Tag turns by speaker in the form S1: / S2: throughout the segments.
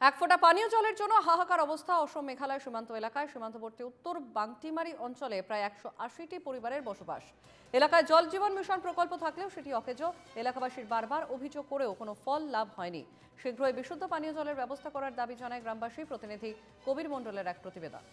S1: এক ফোঁটা পানীয় জলের জন্য হাহাকার অবস্থা অসম মেঘালয় সীমান্ত এলাকায়। সীমান্তবর্তী উত্তর বাংটিমারি অঞ্চলে প্রায় ১৮০টি পরিবারের বসবাস। এলাকায় জল জীবন মিশন প্রকল্প থাকলেও সেটি অকেজো। এলাকাবাসীর বারবার অভিযোগ করেও কোনো ফল লাভ হয়নি। শীঘ্রই বিশুদ্ধ পানীয় জলের ব্যবস্থা করার দাবি জানায় গ্রামবাসী। প্রতিনিধি কবির মণ্ডলের এক প্রতিবেদন।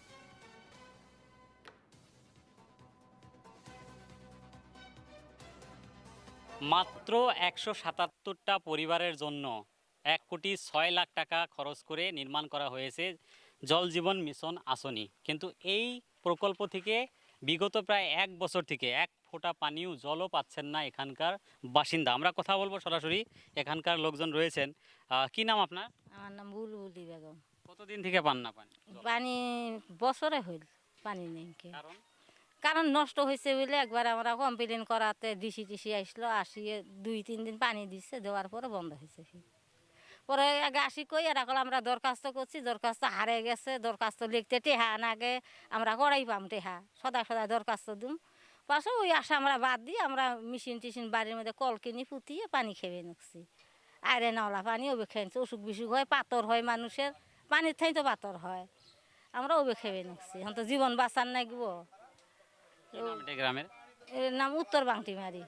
S2: মাত্র ১৭৭টা পরিবারের জন্য ১,৬০,০০,০০০ টাকা খরচ করে নির্মাণ করা হয়েছে জল জীবন মিশন আসনি। কিন্তু এই প্রকল্প থেকে বিগত প্রায় ১ বছর থেকে এক ফোঁটা পানীয় জলও পাচ্ছেন না এখানকার বাসিন্দা। আমরা কথা বলবো সরাসরি, এখানকার লোকজন রয়েছেন। কি নাম আপনার?
S3: আমার নাম বুলবুলি বেগম।
S2: কতদিন থেকে পান না পানি?
S3: পানি বছরে হইল পানি নেই কে।
S2: কারণ
S3: কারণ নষ্ট হয়েছে বলে একবার আমরা কমপ্লেন করাতে ডিসি টিসি আসলো, আসিয়ে ২-৩ দিন পানি দিচ্ছে, দেওয়ার পরে বন্ধ হয়েছে। পরে আগে আসি কই এরা কল আমরা দরখাস্ত করছি, দরখাস্ত হারে গেছে, দরখাস্ত লিখতে টেহা নাগে আমরা করাই পাম টেহা, সদা সদা দরখাস্ত দিম। পাশে ওই আশা আমরা বাদ দিয়ে আমরা মেশিন টিশিন বাড়ির মধ্যে কল কিনি ফুটিয়ে পানি খেয়ে নিচ্ছি। আয়রে নলা পানি ওবে খেয়েছি, অসুখ বিসুখ হয়, পাথর হয় মানুষের, পানির ঠাই তো পাথর হয়, আমরা ওবে খেয়ে নিচ্ছি। এখন তো জীবন বাঁচার নাগব।
S2: কি নাম এটা গ্রামের?
S3: এর নাম উত্তর বাংটিমারি।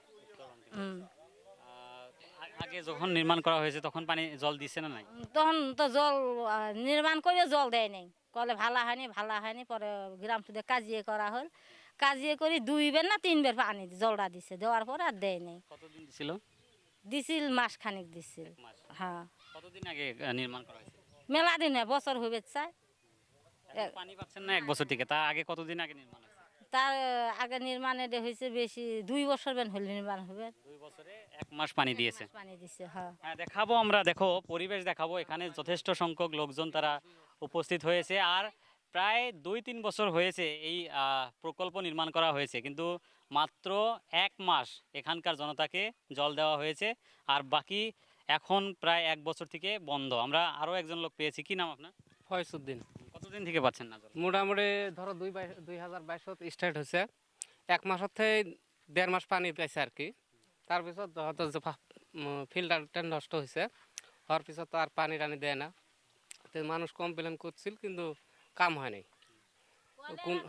S2: আগে যখন নির্মাণ করা হয়েছে তখন পানি জল দিচ্ছে না নাই?
S3: তখন তো জল নির্মাণ করে জল দেয় নাই, কলে ভালো হয়নি ভালো হয়নি। পরে গ্রাম সুদে কাজিয়ে করা হল, কাজিয়ে করি ২ বের না ৩ বের পানি জলটা দিছে, দেওয়ার পরে আর দেয় নাই।
S2: কতদিন দিছিল?
S3: দিছিল মাস খানিক দিছিল।
S2: মাস।
S3: হ্যাঁ,
S2: কতদিন আগে নির্মাণ করা হয়েছে?
S3: মেলা দিন হয়, বছর হইবে চায়।
S2: এখন পানি পাচ্ছেন না ১ বছর থেকে, তা আগে কতদিন আগে নির্মাণ হয়েছে?
S3: তার আগে নির্মাণে হয়েছে বেশি ২ বছর বেন হল নির্মাণ হবে।
S2: ২ বছরে ১ মাস পানি দিয়েছে।
S3: পানি দিছে। হ্যাঁ,
S2: হ্যাঁ, দেখাবো আমরা, দেখো পরিবেশ দেখাবো। এখানে যথেষ্ট সংখ্যক লোকজন তারা উপস্থিত হয়েছে। আর প্রায় ২-৩ বছর হয়েছে এই প্রকল্প নির্মাণ করা হয়েছে, কিন্তু মাত্র ১ মাস এখানকার জনতাকে জল দেওয়া হয়েছে। আর বাকি এখন প্রায় ১ বছর থেকে বন্ধ। আমরা আরও একজন লোক পেয়েছি। কি নাম আপনার?
S4: ফয়সুদ্দিন।
S2: কতদিন থেকে পাচ্ছেন না জল?
S4: মোটামুটি ধরো ২০২২ স্টার্ট হয়েছে, ১ মাসের থেকে ১.৫ মাস পানি পাইছে আর কি। তারপিছত হয়তো যে ফিল্টারটা নষ্ট হয়েছে, হওয়ার পিছত তো আর পানি টানি দেয় না। তো মানুষ কমপ্লেন করছিল, কিন্তু কাম হয় নাই। কোন-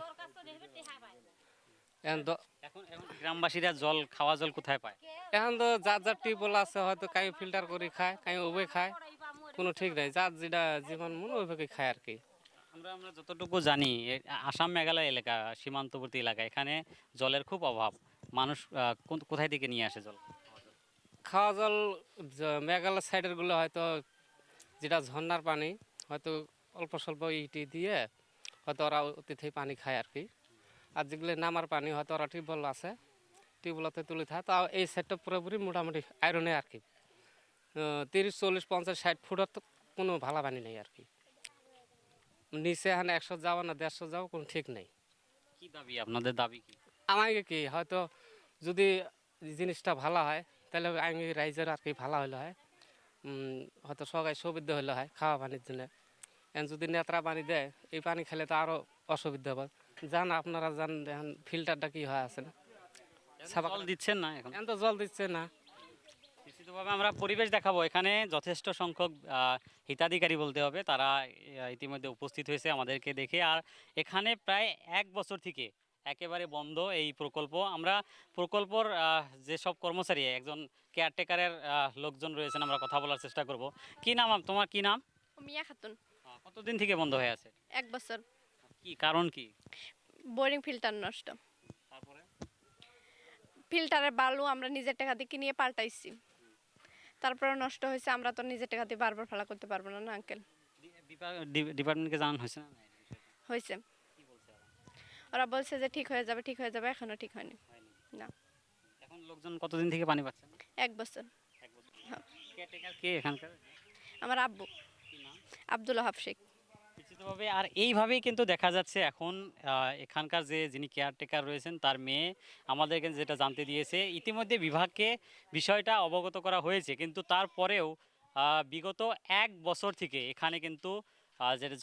S4: এখন
S2: এখন এখন গ্রামবাসীরা জল, খাওয়া জল কোথায় পায়?
S4: এখন তো যার যার টিউবওয়েল আছে, হয়তো কাই ফিল্টার করে খায়, কাই ওবে খায়, কোনো ঠিক নাই। যার যেটা জীবন মনে ওইভাবে খায় আর কি।
S2: আমরা আমরা যতটুকু জানি আসাম মেঘালয় এলাকা, সীমান্তবর্তী এলাকা, এখানে জলের খুব অভাব। মানুষ কোথায় থেকে নিয়ে আসে জল?
S4: খাওয়া জল মেঘালয় সাইডের গুলো হয়তো যেটা ঝর্ণার পানি, হয়তো অল্প স্বল্প ইটি দিয়ে হয়তো ওরা অতিথি পানি খায় আর কি। আর যেগুলো নামার পানি হয়তো ওরা টিউবওয়েল আছে, টিউবওয়েলতে তুলে থাকে। তাও এই সাইডটা পুরোপুরি মোটামুটি আয়রনে আর কি। ৩০, ৪০, ৫০, ৬০ ফুটের তো কোনো ভালো পানি নেই আর কি। নিচে এখানে ১০০ যাওয়া না ১৫০ যাওয়া কোনো ঠিক নেই।
S2: কি দাবি আপনাদের? দাবি কি?
S4: আমাকে কি হয়তো যদি জিনিসটা ভালো হয়, তাহলে আমি রাইজের আর কি ভালো হলে হয়। হয়তো সবাই সুবিধা হলে হয় খাওয়া পানির জন্য। এখন যদি নেত্রা পানি দেয়, এই পানি খেলে তো আরও অসুবিধা হবে। জান আপনারা জান এখন ফিল্টারটা কি হয় আছে না,
S2: জল দিচ্ছেন না এখন?
S4: এখন তো জল দিচ্ছে না।
S2: নিশ্চিতভাবে আমরা পরিবেশ দেখাবো। এখানে যথেষ্ট সংখ্যক হিতাধিকারী বলতে হবে, তারা ইতিমধ্যে উপস্থিত হয়েছে আমাদেরকে দেখে। আর এখানে প্রায় ১ বছর থেকে একেবারে বন্ধ এই প্রকল্প। আমরা প্রকল্পর যেসব কর্মচারী, একজন কেয়ারটেকারের লোকজন রয়েছেন, আমরা কথা বলার চেষ্টা করব। কি নাম তোমার? কি নাম?
S5: মিয়া খাতুন।
S2: কতদিন থেকে বন্ধ হয়ে আছে?
S5: ১ বছর।
S2: কি কারণ কি?
S5: বোরিং ফিল্টার নষ্ট।
S2: তারপরে
S5: ফিল্টারের বালু আমরা নিজের টাকা দিয়ে কিনিয়ে পাল্টাইছি, তারপরে নষ্ট হয়েছে। আমরা তো নিজের টাকা দিয়ে বারবার ফেলা করতে পারবো না, না আঙ্কেল?
S2: ডিপার্টমেন্টকে জানানো হয়েছে না?
S5: হয়েছে।
S2: কি বলছে ওরা?
S5: ওরা বলছে যে ঠিক হয়ে যাবে, ঠিক হয়ে যাবে, এখনো ঠিক হয়নি। না।
S2: এখন লোকজন কতদিন থেকে পানি পাচ্ছেন?
S5: ১ বছর।
S2: ১ বছর। কেয়ারটেকার কে এখানকার?
S5: আমার আব্বু
S2: কি নাম?
S5: আব্দুল ওহাব শেখ।
S2: নিশ্চিতভাবে। আর এইভাবেই কিন্তু দেখা যাচ্ছে এখন এখানকার যিনি কেয়ারটেকার রয়েছেন তার মেয়ে আমাদেরকে যেটা জানতে দিয়েছে, ইতিমধ্যে বিভাগকে বিষয়টা অবগত করা হয়েছে, কিন্তু তারপরেও বিগত ১ বছর থেকে এখানে কিন্তু যেটা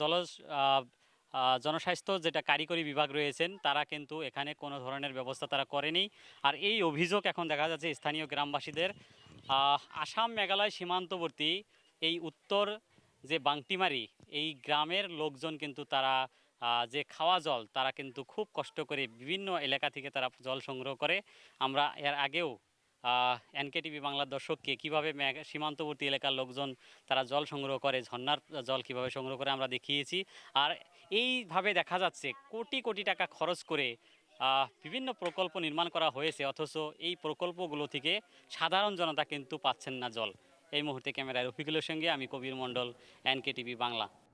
S2: জনস্বাস্থ্য যেটা কারিগরি বিভাগ রয়েছেন, তারা কিন্তু এখানে কোনো ধরনের ব্যবস্থা তারা করেনি। আর এই অভিযোগ এখন দেখা যাচ্ছে স্থানীয় গ্রামবাসীদের। আসাম মেঘালয় সীমান্তবর্তী এই উত্তর যে বাংটিমারি এই গ্রামের লোকজন কিন্তু তারা যে খাওয়া জল তারা কিন্তু খুব কষ্ট করে বিভিন্ন এলাকা থেকে তারা জল সংগ্রহ করে। আমরা এর আগেও এনকেটিভি বাংলার দর্শককে কীভাবে সীমান্তবর্তী এলাকার লোকজন তারা জল সংগ্রহ করে, ঝর্ণার জল কীভাবে সংগ্রহ করে আমরা দেখিয়েছি। আর এইভাবে দেখা যাচ্ছে কোটি কোটি টাকা খরচ করে বিভিন্ন প্রকল্প নির্মাণ করা হয়েছে, অথচ এই প্রকল্পগুলো থেকে সাধারণ জনতা কিন্তু পাচ্ছেন না জল। এই মুহূর্তে ক্যামেরায় রফিকুলের সঙ্গে আমি কবির মণ্ডল, এনকেটিভি বাংলা।